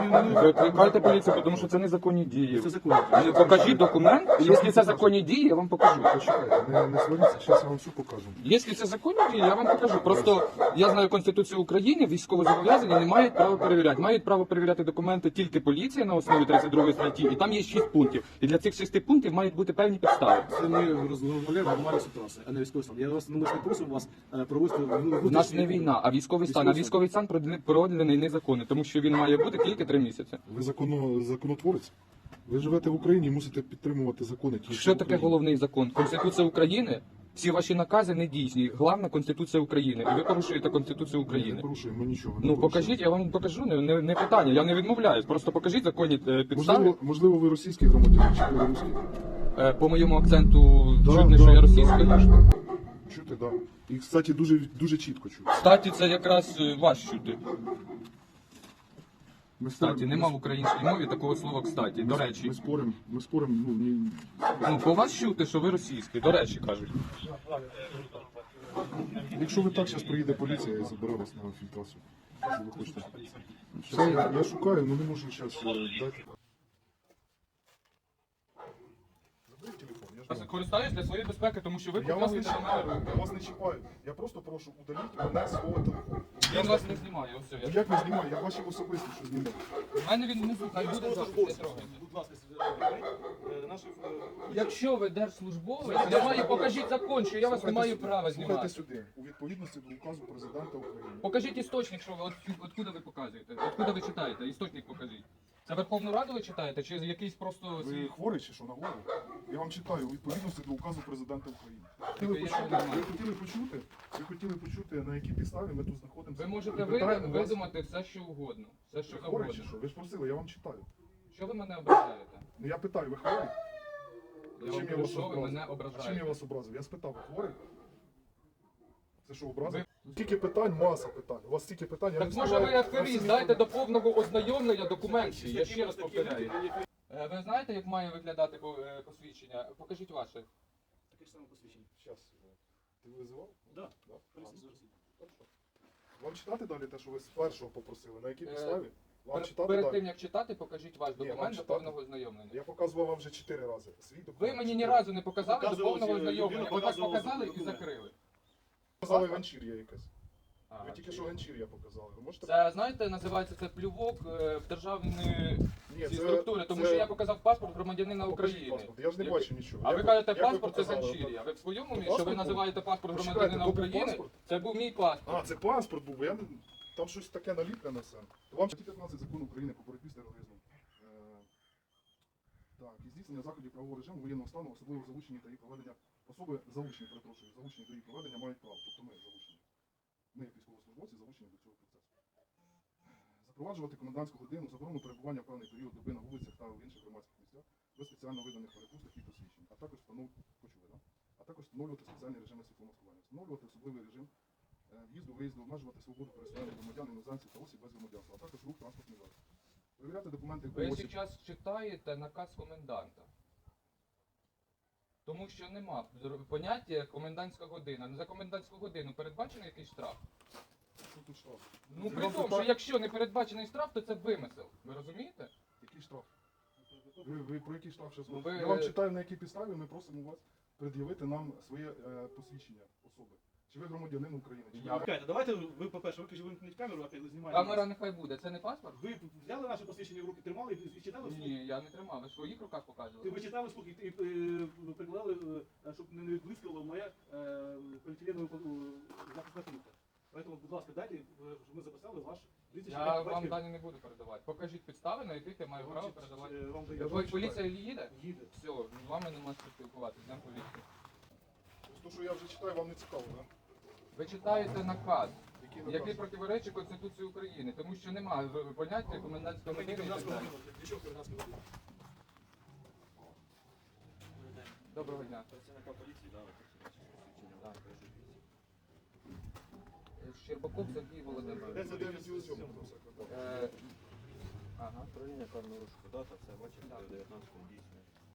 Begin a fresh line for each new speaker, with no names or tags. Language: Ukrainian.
Викликайте поліцію, тому що це незаконні дії.
Це законно.
Покажіть документ, якщо це законні дії, я вам покажу.
Почекайте, не сваріться, зараз я вам все покажу.
Якщо це законні дії, я вам покажу. Просто я знаю Конституцію України, військовозобов'язані не мають права перевіряти. Мають право перевіряти документи тільки поліція на основі 32 статті, і там є 6 пунктів. І для цих 6 пунктів мають бути певні підстави.
Це ми розмовляємо нормальну ситуацію, а не військовий стан. Я вас не просив вас провести...
У нас не війна, а військовий стан. А військовий стан продлений незаконно, тому що він має бути тільки 3 місяці.
Ви законотворець? Ви живете в Україні і мусите підтримувати закони.
Що таке головний закон? Конституція України? Всі ваші накази не дійсні. Головна Конституція України. І ви порушуєте Конституцію
Ми не
України.
порушуємо нічого.
Ну покажіть, я вам покажу, не питання, я не відмовляюсь. Просто покажіть законні підстави.
Можливо, ви російський громадянин чи білоруський?
По моєму акценту чутно, що я російський.
Чути, так. І, кстати, дуже чітко чути.
Кстаті, це якраз ваш чути.
Ми
Кстаті, нема в українській мові такого слова кстаті, до речі.
Ми споримо,
Ну, по вас чути, що ви російський, до речі, кажуть.
Якщо ви так, зараз приїде поліція і забере вас на фільтрацію. Що ви хочете? Все, я шукаю, але не можу зараз дати. Заберіть телефон, я ж
Користаюсь для своєї безпеки, тому що ви
Я вас не
показуєте на мене
чіпаю,
руки.
я вас не чіпаю. Я просто прошу удаліть мене з свого телефону.
Він вас не знімає, ось все.
Ну як не знімаю? Я бачив особисто, що знімав.
У мене він внизу, хай буде запис, не трогайте.
Будь ласка, наші...
Якщо ви держслужбовець, я маю, покажіть закон, що я вас не маю права
Слухайте
знімати.
сюди. У відповідності до указу президента України.
Покажіть істочник, що ви, откуда ви показуєте, откуда ви читаєте, істочник покажіть. Це Верховну Раду ви читаєте, чи якийсь просто...
Ви хворий чи що на голову? Я вам читаю у відповідності до указу президента України. Ви хотіли почути, на якій підставі ми тут знаходимося.
Ви можете видумати все, що угодно. Все, що
Ви хворий чи
завгодно.
що? Ви ж просили, я вам читаю.
Що ви мене ображаєте?
Ну я питаю, ви хворий?
Я вам кажу, що ви мене
Чим я
ображаєте?
вас образив? Я спитав, ви хворий? Це що, образив? Стільки питань, маса питань. У вас стільки питань, я не
Так може ви
встигаю
аферіст,
на всі
дайте до
відповідати.
повного ознайомлення документів, я ще раз повторяю. Ви знаєте, як має виглядати посвідчення? Покажіть ваше.
Таке ж саме посвідчення.
Щас, ти визивав?
Да.
Да. Хорошо. Вам читати далі те, що ви з першого попросили? На якій підставі? Вам читати
Перед
далі?
тим як читати, покажіть ваш
Ні, вам
документ до
читати.
повного ознайомлення.
Я показував вам вже 4 рази. Свій документ.
Ви мені ні
4.
разу не показали до
Показував,
повного ознайомлення. Ви так
показував
показали і
документ.
закрили.
Показали ганчір'я якесь.
А,
Ви тільки що ганчір'я показали. Ви можете...
Це, знаєте, називається це плювок в державні
Ні,
ці структури, тому що я показав паспорт громадянина
Покажіть
України.
паспорт. Я ж не бачу нічого.
А ви
Як
кажете,
як ви
паспорт це
показали?
Ганчір'я. Ви в своєму
То
місці, що ви
паспорт був?
називаєте паспорт
Почекайте,
громадянина
то був
України?
паспорт?
Це був мій паспорт.
А, це паспорт був, бо я там щось таке наліплене все. Вам статті 15 закону України по боротьбі з тероризмом. Так, і здійснення заходів правового режиму воєнного стану, особливо залучені та їх проведення особи залучені, перепрошую, залучені до їх проведення мають право. Тобто ми залучені. Ми, як військовослужбовці, залучені до цього процесу. Запроваджувати комендантську годину, заборону перебування в певний період доби на вулицях та в інших громадських місцях без спеціально виданих перепусток і посвідчень, а також встановлювати спеціальні режими світломаскування, встановлювати особливий режим в'їзду, виїзду, обмежувати свободу пересування громадян, іноземців та осіб без громадянства, а також рух транспортних засобів. Перевіряти документи
Ви
по осіб.
зараз читаєте наказ коменданта. Тому що нема поняття комендантська година. За комендантську годину передбачений якийсь штраф?
Що тут штраф?
Ну при
Вам
тому,
питання-
що якщо не передбачений штраф, то це вимисел. Ви розумієте?
Який штраф? Ви про який штраф зараз
Ну,
говорите?
ви-
Я вам читаю, на якій підставі ми просимо вас пред'явити нам своє посвідчення особи. Чи ви громадянин України? Чи ви-
Я-
Чекайте, давайте ви, по-перше, вимкніть камеру, а коли знімаєте.
Камера нехай буде. Це не паспорт?
Ви взяли наше посвідчення в руки, тримали і читали вслух?
Ні, я не тримав. Ви в своїх руках показували.
Ви читали вслух і прикладали, щоб не відблискало моя поліетиленова захисна плівка. Тому, будь ласка, дайте, щоб ми записали ваш прізвище.
Я вам дані не буду передавати. Покажіть підстави, на яких я маю право передавати.
Вам
Я
даю.
ж вам
Поліція їде?
Їде.
Все, з вами нема що спілкуватися, йдемо поліцію.
То, що я вже читаю, вам не цікаво, так?
Ви читаєте наказ,
Який наказ?
який противоречить Конституції України, тому що немає поняття комендантського години і так далі.
Для чого комендантська година?
Доброго дня. Щербаков Сергій Володимирович.
Це 9.7.
Ага.
Управління карного розшуку, дата, все, бачите,
Так.
19-го дійсно.